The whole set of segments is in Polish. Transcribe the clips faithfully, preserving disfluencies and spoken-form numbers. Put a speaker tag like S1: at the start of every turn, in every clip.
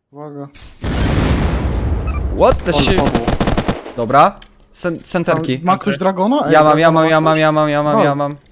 S1: Uwaga.
S2: What the
S1: Ale
S2: shit?
S1: padło.
S2: Dobra. Sen centerki.
S1: Ma ktoś dragona? Ej,
S2: Ja mam, ja
S1: dragona
S2: mam, ja
S1: ktoś?
S2: mam, ja mam, ja mam,
S1: Wal.
S2: ja mam.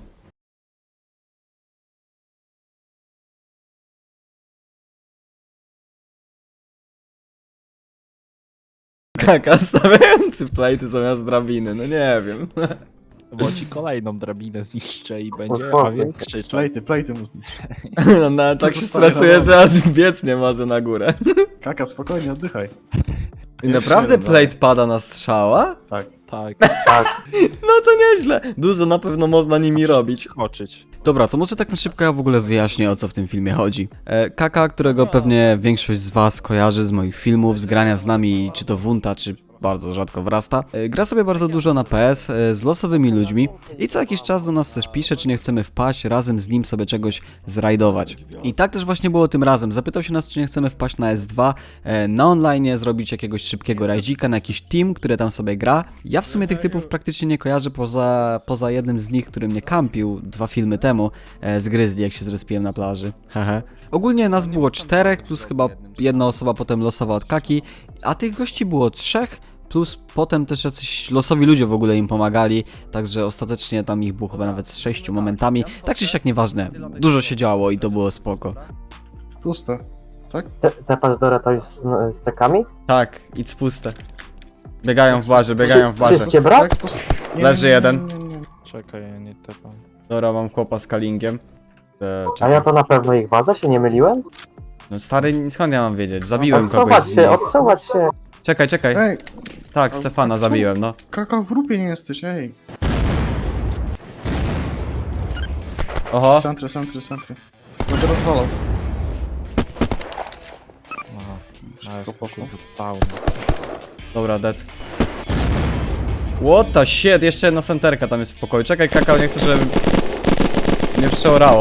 S2: Kaka stawiający plejty zamiast drabiny, no nie wiem.
S3: Bo ci kolejną drabinę zniszczę i będzie
S4: Uspokój
S3: Awiel
S4: się.
S3: krzyczał.
S1: Plejty, plejty mu zniszczy.
S2: No, no tak się
S1: zostaje
S2: stresuje,
S1: na
S2: że
S1: dole.
S2: aż biec nie może na górę.
S1: Kaka, spokojnie, oddychaj.
S2: I naprawdę
S1: jeden,
S2: plate pada na strzała?
S1: Tak.
S3: Tak,
S4: Tak,
S2: No to nieźle. Dużo na pewno można nimi robić.
S3: skoczyć.
S2: Dobra, to może tak na szybko ja w ogóle wyjaśnię, o co w tym filmie chodzi. E, Kaka, którego pewnie większość z was kojarzy z moich filmów, z grania z nami, czy to Wunta, czy bardzo rzadko wrasta. E, gra sobie bardzo dużo na P S e, z losowymi ludźmi i co jakiś czas do nas też pisze, czy nie chcemy wpaść, razem z nim sobie czegoś zrajdować. I tak też właśnie było tym razem. Zapytał się nas, czy nie chcemy wpaść na S dwa, e, na online, zrobić jakiegoś szybkiego rajdzika, na jakiś team, który tam sobie gra. Ja w sumie tych typów praktycznie nie kojarzę, poza, poza jednym z nich, który mnie kampił dwa filmy temu e, z Grizzly, jak się zrespiłem na plaży. Hehe. Ogólnie nas było czterech, plus chyba jedna osoba potem losowa od Kaki, a tych gości było trzech, plus potem też jacyś losowi ludzie w ogóle im pomagali, także ostatecznie tam ich było chyba nawet z sześciu momentami. Tak czy siak nieważne, dużo się działo i to było spoko.
S1: Puste. Tak?
S4: te, te Pazdora to jest z, z cekami?
S2: Tak, idź puste. Biegają w barze, biegają w barze.
S4: Wszystkie brak?
S1: Tak, spos- nie,
S2: Leży
S1: nie, nie,
S2: jeden.
S1: nie, nie, nie.
S3: Czekaj, ja nie tepam.
S2: Dobra, mam chłopa z kalingiem. E,
S4: A
S2: czekaj.
S4: ja to na pewno ich baza, się nie myliłem?
S2: No stary, skąd ja mam wiedzieć? Zabiłem kogoś
S4: Odsuwać
S2: z
S4: się,
S2: nich.
S4: odsuwać się.
S2: Czekaj, czekaj.
S1: Ej,
S2: Tak,
S1: a-
S2: Stefana
S1: a co?
S2: zabiłem, no.
S1: Kaka, w grupie nie jesteś, ej.
S2: Oho.
S1: Centry, centry, centry. Będę rozwalał.
S3: Aha, a jest
S1: Spoko.
S3: down.
S2: Dobra, dead. What the shit, jeszcze jedna senterka tam jest w pokoju. Czekaj, Kakao, nie chcę, żeby mnie przeorało.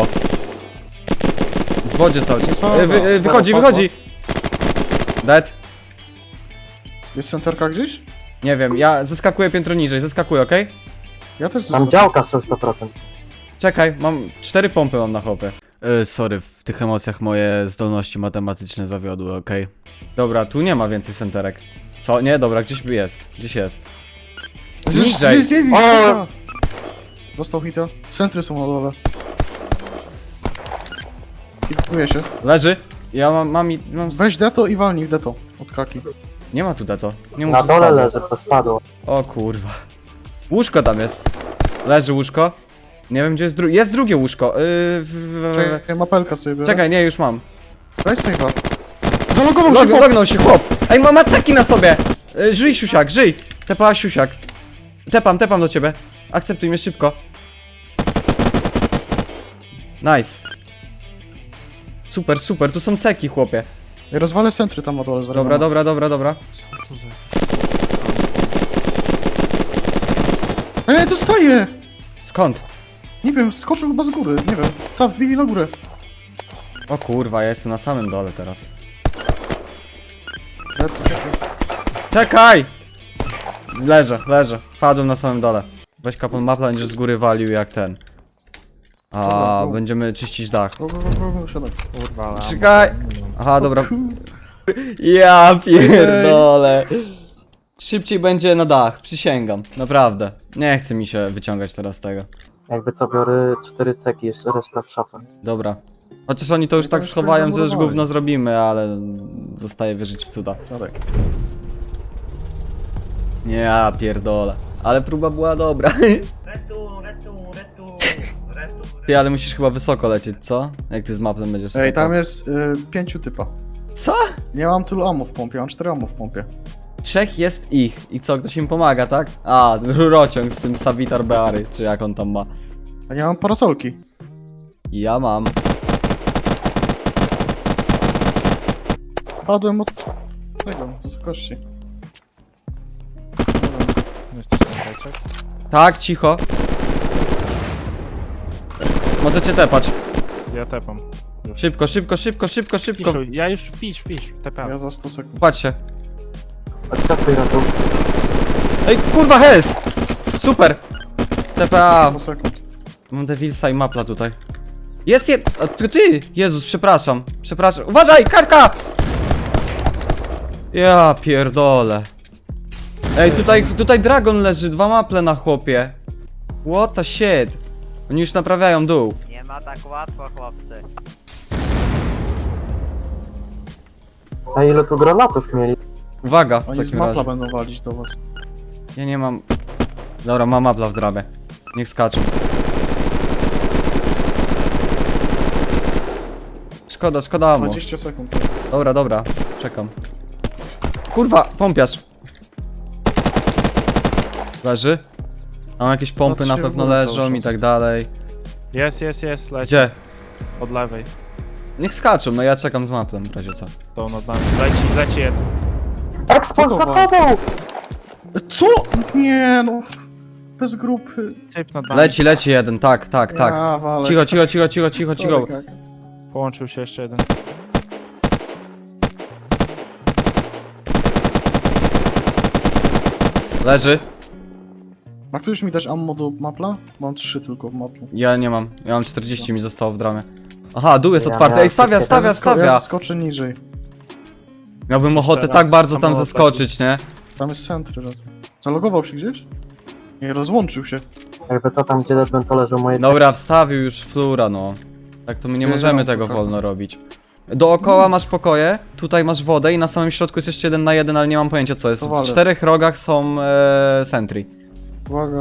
S2: W wodzie cały czas. E, wy, e, wychodzi, wychodzi! Dead.
S1: Jest centerka gdzieś?
S2: Nie wiem, ja zeskakuję piętro niżej, zeskakuję, okej?
S1: Ja też
S4: Tam działka są sto procent.
S2: Czekaj, mam cztery pompy mam na hopy. E, sorry, w tych emocjach moje zdolności matematyczne zawiodły, okej? Dobra, tu nie ma więcej senterek. Co? Nie, dobra, gdzieś by jest. Gdzieś jest. Niżej.
S4: O!
S1: Dostał hita. Centry są na dole. Hituję się.
S2: Leży. Ja mam, mam, i- mam...
S1: Weź deto i walnij w deto. Od Kaki.
S2: Nie ma tu deto. Nie mów,
S4: Na
S2: że
S4: dole
S2: spadło.
S4: leży, to spadło.
S2: O kurwa. Łóżko tam jest. Leży łóżko. Nie wiem gdzie jest drugie. Jest drugie łóżko. Yy, w, w, w,
S1: Czekaj, mapelka sobie biorę.
S2: Czekaj, nie, już mam.
S1: Weź sobie dwa. Zalogował się
S2: Log,
S1: chłop.
S2: lognął się chłop. Ej, ma maceki na sobie. Yy, żyj, siusiak, żyj. Tepa, siusiak. Tepam, tepam do ciebie. Akceptuj mnie szybko. Nice. Super, super, tu są ceki, chłopie.
S1: Ja rozwalę centry tam na dole. zaraz
S2: Dobra,
S1: mam.
S2: dobra, dobra, dobra.
S3: Co to za...
S1: Ej, dostaję!
S2: Skąd?
S1: Nie wiem, skoczył chyba z góry, nie wiem. Ta, wbili na górę.
S2: O kurwa, ja jestem na samym dole teraz. Czekaj! Leżę, leżę. Padłem na samym dole. Weź kapon mapla, będziesz z góry walił jak ten. A,
S1: Dobra, go.
S2: będziemy czyścić dach.
S1: Go, go, go, go, go, siadaj.
S3: Kurwa, ale
S2: Czekaj!
S3: ammo nie mam.
S2: Aha, dobra. Ja pierdolę. Szybciej będzie na dach, przysięgam. Naprawdę. Nie chce mi się wyciągać teraz tego.
S4: Jakby co, biorę cztery ceki, jeszcze reszta w szafę.
S2: Dobra. Chociaż oni to już
S1: No to
S2: tak
S1: już
S2: schowają, że już
S1: zamurowali.
S2: gówno zrobimy, ale zostaje wierzyć w cuda.
S1: Siadaj.
S2: Nie, ja pierdolę. Ale próba była dobra.
S5: Retu, retu, retu, retu.
S2: Ty, ale musisz chyba wysoko lecieć, co? Jak ty z mapem będziesz
S1: Ej,
S2: skakał.
S1: tam jest y, pięciu typa.
S2: Co?
S1: Nie mam tylu ammo w pompie, mam cztery ammo w pompie.
S2: Trzech jest ich. I co, ktoś im pomaga, tak? A, rurociąg z tym Savitar Beary, czy jak on tam ma.
S1: A nie mam parasolki.
S2: Ja mam.
S1: Padłem od tego, wysokości.
S3: Jesteś tam beczek?
S2: Tak, cicho. Możecie tepać.
S3: Ja tepam. Już.
S2: Szybko, szybko, szybko, szybko, szybko.
S3: Piszu, ja już wpisz, wpisz, tepam.
S1: Ja za sto sekund.
S2: Patrzcie.
S4: Akceptuj ratu.
S2: Ej, kurwa, hes! Super! T P A.
S1: sto sekund.
S2: Mam Devilsa i mapla tutaj. Jest jed... A, ty, ty! Jezus, przepraszam. Przepraszam. Uważaj, karka! Ja pierdolę. Ej, tutaj, tutaj dragon leży, dwa maple na chłopie. What the shit. Oni już naprawiają dół.
S5: Nie ma tak łatwo, chłopcy.
S4: A ile tu granatów mieli?
S2: Uwaga, w
S1: Oni z
S2: takim
S1: mapla
S2: razie.
S1: będą walić do was.
S2: Ja nie mam... Dobra, mam mapla w drabie. Niech skaczą. Szkoda, szkoda ammo.
S1: dwadzieścia sekund.
S2: Dobra, dobra, czekam. Kurwa, pompiarz. Leży. Mam jakieś pompy na
S1: Patrzcie w
S2: pewno
S1: górę
S2: leżą
S1: cały
S2: i
S1: czas.
S2: tak dalej.
S3: Jest, jest, jest, leci.
S2: Gdzie?
S3: Od lewej.
S2: Niech skaczą, no ja czekam z maplem w razie co.
S3: To nad nami. Leci, leci jeden.
S4: Ekspos za
S1: Podoba.
S4: tobą!
S1: Co? Nie no. Bez grupy.
S3: Typ nad nami.
S2: Leci, leci jeden, tak, tak, tak.
S1: Ja, walę.
S2: Cicho, cicho, cicho, cicho, cicho, cicho.
S1: Tak, tak.
S3: Połączył się jeszcze jeden.
S2: Leży.
S1: Ma ktoś mi dać ammo do mapla? Mam trzy tylko w maplu.
S2: Ja nie mam, ja mam czterdzieści, mi zostało w dramie. Aha, dół jest
S4: Ja
S2: otwarty,
S4: miałem
S2: ej stawia,
S4: wszystkie-
S2: stawia,
S1: Ja zesko- Ja
S2: stawia.
S1: skoczę niżej.
S2: Miałbym
S3: Jeszcze
S2: ochotę
S3: raz,
S2: tak bardzo tam
S3: samolot
S2: zaskoczyć, nie?
S1: Tam jest centry. za to. Zalogował się gdzieś? Nie, rozłączył się.
S4: Jakby co tam, gdzie Deadman to leżą moje...
S2: Dobra, wstawił już flura, no. Tak to my nie
S1: Nie,
S2: możemy
S1: no,
S2: tego
S1: pokażę.
S2: wolno robić. Dookoła masz pokoje, tutaj masz wodę i na samym środku jest jeszcze jeden na jeden, ale nie mam pojęcia co jest.
S1: To
S2: W
S1: walę.
S2: czterech rogach są e, sentry.
S1: Uwaga.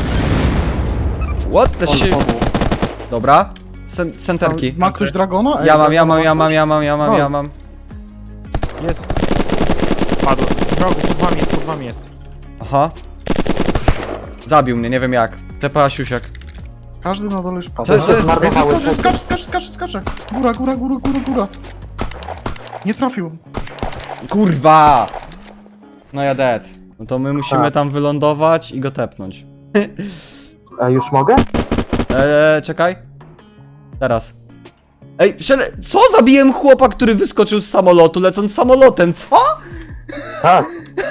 S2: What the
S1: Ale
S2: shit?
S1: padło.
S2: Dobra. Sen centerki.
S1: Ma ktoś dragona? Ej,
S2: Ja mam, ja
S1: dragona
S2: mam, ja mam,
S1: ktoś?
S2: ja mam, ja mam,
S1: O.
S2: ja mam.
S3: Jest. Padł. W rogu, pod wami jest, pod wami jest.
S2: Aha. Zabił mnie, nie wiem jak. Tepa siusiak.
S1: Każdy na dole już padł.
S2: Co jest-
S1: Ej,
S2: co jest-
S4: Zmarnowały
S1: skacze,
S4: ceki.
S1: skacze, skacze, skacze, skacze. Góra, góra, góra, góra, góra. Nie trafił.
S2: Kurwa! No ja dead. No to my musimy
S4: Tak.
S2: tam wylądować i go tepnąć.
S4: A już mogę?
S2: Eee, czekaj. Teraz. Ej, szele... Co? Zabiłem chłopa, który wyskoczył z samolotu, lecąc samolotem, co?
S4: Tak.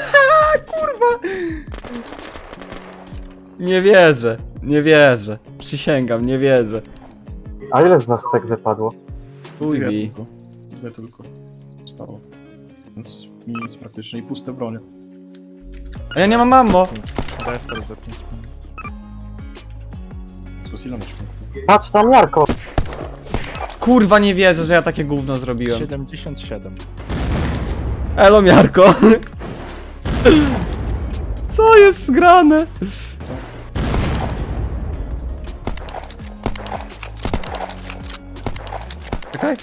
S2: Nie wierzę, nie wierzę. Przysięgam, nie wierzę.
S4: A ile z nas cek wypadło?
S2: Chuj
S1: Dwie
S2: mi.
S1: tylko. Dwie tylko. Stało. Więc nic praktycznie i puste bronie.
S2: A ja nie mam ammo.
S3: Restart za pięć minut.
S1: Z ile masz punktów?
S4: Patrz tam, Jarko!
S2: Kurwa, nie wierzę, że ja takie gówno zrobiłem.
S3: siedemdziesiąt siedem.
S2: Elo, Miarko. Co jest zgrane? Czekaj.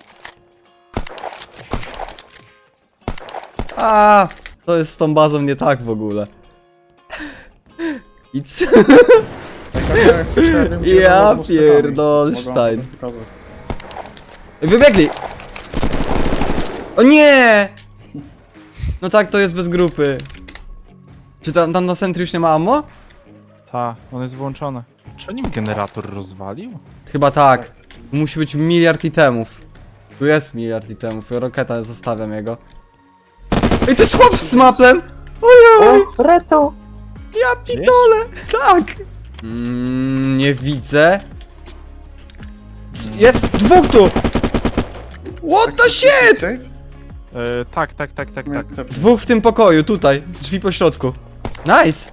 S2: A, to jest z tą bazą nie tak w ogóle. I co?
S1: Tak, tak, jak coś, ja wiem, gdzie
S2: Ja
S1: robią z cekami.
S2: pierdolsztajn.
S1: Mogę wam to pokazać.
S2: Wybiegli! O nie! No tak, to jest bez grupy. Czy tam, tam na centry już nie ma ammo?
S3: Ta, on jest włączony. Czy nim generator rozwalił?
S2: Chyba tak. Musi być miliard itemów. Tu jest miliard itemów. Roketa, zostawiam jego. Ej, to jest chłop z maplem! Ojej!
S4: O, Reto!
S2: Ja pitole! Tak! Mm, nie widzę. C- Jest dwóch tu! What the shit!
S1: Safe?
S3: E, tak, tak, tak, tak, tak.
S1: Tepnij.
S2: Dwóch w tym pokoju, tutaj. Drzwi po środku. Nice!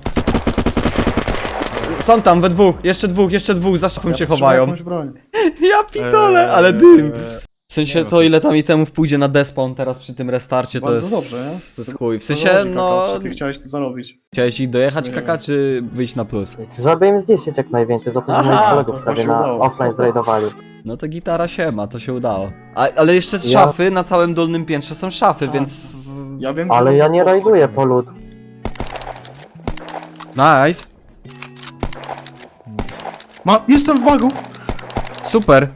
S2: Są tam we dwóch, jeszcze dwóch, jeszcze dwóch, za szafą
S1: Ja
S2: się
S1: potrzebuję
S2: chowają.
S1: jakąś broń.
S2: Ja pitole,
S3: Eee,
S2: ale dym!
S3: eee,
S2: W sensie
S3: nie no,
S2: to
S3: to-
S2: ile tam itemów pójdzie na despawn teraz przy tym restarcie to
S1: Bardzo
S2: jest...
S1: dobrze, nie?
S2: To jest chuj. W sensie
S1: Zależy,
S2: no...
S1: Kaka, czy ty chciałeś to zarobić?
S2: Chciałeś ich dojechać
S1: Nie
S2: kaka
S1: wiem.
S2: czy wyjść na plus?
S4: Żeby im zniszczyć jak najwięcej, za to, że
S2: Aha,
S4: moich
S1: to
S4: kolegów prawie
S1: właśnie
S4: na
S1: udało.
S4: offline zrajdowali.
S2: No to gitara się ma, to się udało. A, ale jeszcze
S4: Ja-
S2: szafy na całym dolnym piętrze są szafy,
S1: Tak.
S2: więc...
S1: Ja wiem, że
S4: Ale
S1: robią
S4: ja nie
S1: Polsce.
S4: rajduję po lód.
S2: Nice.
S1: Ma, jestem w bagu!
S2: Super.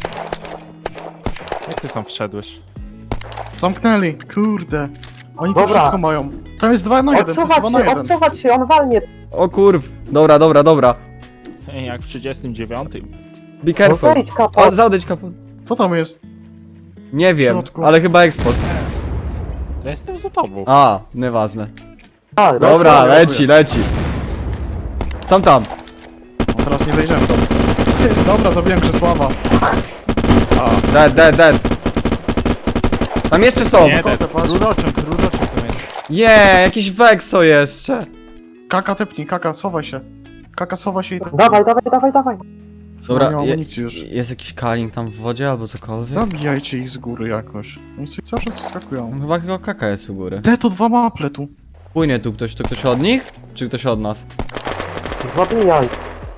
S3: Jak ty tam wszedłeś?
S1: Zamknęli, kurde. Oni to
S4: Dobra.
S1: wszystko mają. Tam jest dwa na jeden, to jest
S4: Odsuwać
S1: dwa na
S4: się,
S1: jeden.
S4: odsuwać się, on walnie!
S2: O kurw. Dobra, dobra, dobra.
S3: Ej, jak w trzydziestym dziewiątym.
S2: Be
S4: No
S2: careful.
S4: zejdź, kapo!
S2: O, zaodejdź kaput.
S1: Co tam jest?
S2: Nie wiem,
S1: środku.
S2: ale chyba expost.
S3: Ja jestem za tobą.
S2: A, nieważne.
S4: A,
S2: Dobra,
S1: lecę,
S2: leci, leci. Sam tam.
S1: No, teraz nie wejdziemy tam. Dobra, zabiłem Krzesława. A,
S2: Dead, dead, dead. Tam jeszcze są!
S3: Nie,
S1: kotę,
S3: ten,
S1: patrz.
S3: rurociąg, rurociąg tam jest.
S2: Je, jakiś Vexo jeszcze!
S1: Kaka tepnij, kaka, schowaj się. Kaka, schowaj się i tak.
S4: Dawaj, dawaj, dawaj, dawaj.
S2: Dobra,
S1: nie ma
S2: je,
S1: amunicji już.
S2: jest jakiś kaling tam w wodzie albo cokolwiek?
S1: Zabijajcie ich z góry jakoś. Oni sobie cały czas wskakują.
S2: Tam chyba tylko kaka jest u góry.
S1: Te to dwa maple tu.
S2: Płynie tu ktoś, to ktoś od nich? Czy ktoś od nas?
S4: Zabijaj.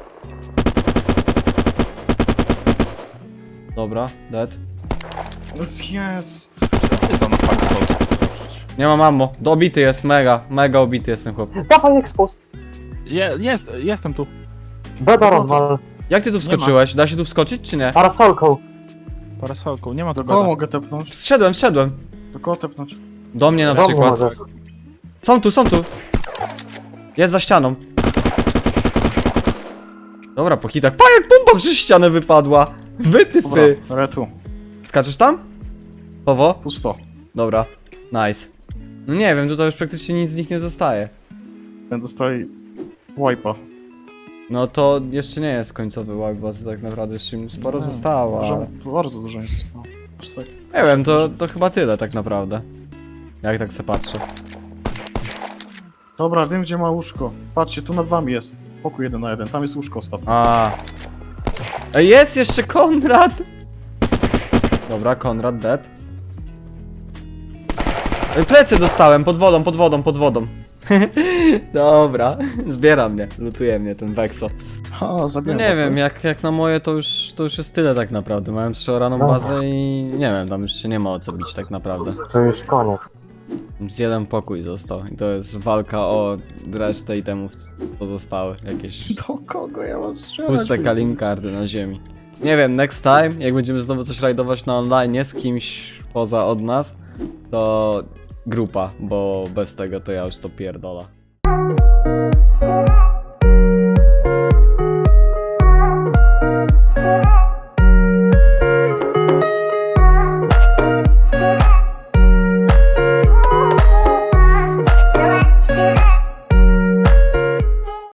S2: Dobra, dead.
S1: Jest.
S3: Chyba na parasolce skoczyć.
S2: Nie ma mamo, dobity jest, mega, mega obity jest ten chłop.
S4: Dawaj expos.
S3: Je, jest, jestem tu.
S4: Beda rozwal.
S2: Jak ty tu wskoczyłeś? Da się tu wskoczyć czy nie?
S4: Parasolką.
S3: Parasolką, nie ma tu
S1: Do kogo
S3: beda.
S1: mogę tepnąć?
S2: Wszedłem, wszedłem.
S1: Do kogo tepnąć?
S2: Do mnie na
S4: Do mnie
S2: przykład.
S4: możesz.
S2: Są tu, są tu. Jest za ścianą. Dobra, po hitach. Pa, jak bomba przez ścianę wypadła.
S1: Dobra,
S2: Wytyfy.
S1: retu.
S2: Skaczesz tam? Powo?
S1: Pusto.
S2: Dobra, nice. No nie wiem, tutaj już praktycznie nic z nich nie zostaje.
S1: Będę dostali wipe'a.
S2: No to jeszcze nie jest końcowy wipe, bo tak naprawdę jeszcze im sporo
S1: Nie,
S2: zostało.
S1: Może
S2: Ale...
S1: bardzo dużo nie zostało. Aż tak.
S2: Nie wiem, to, to chyba tyle tak naprawdę. Jak tak se patrzę.
S1: Dobra, wiem gdzie ma łóżko. Patrzcie, tu nad wami jest. Pokój jeden na jeden, tam jest łóżko ostatnie.
S2: A. Ej, jest jeszcze Konrad! Dobra, Konrad dead. Ej, plecy dostałem, pod wodą, pod wodą, pod wodą. Dobra, zbiera mnie, lutuje mnie ten Vexo.
S1: Ha,
S2: No
S1: zabiłem
S2: nie
S1: go.
S2: wiem, jak, jak na moje to już, to już jest tyle tak naprawdę. Mają przeoraną bazę i nie wiem, tam już się nie ma o co bić tak naprawdę.
S4: To już koniec.
S2: Z jeden pokój został i to jest walka o resztę itemów pozostałe. Jakieś
S1: Do kogo ja mam strzelać?
S2: puste kalinkardy na ziemi. Nie wiem, next time, jak będziemy znowu coś rajdować na online z kimś poza od nas, to grupa, bo bez tego to ja już to pierdola.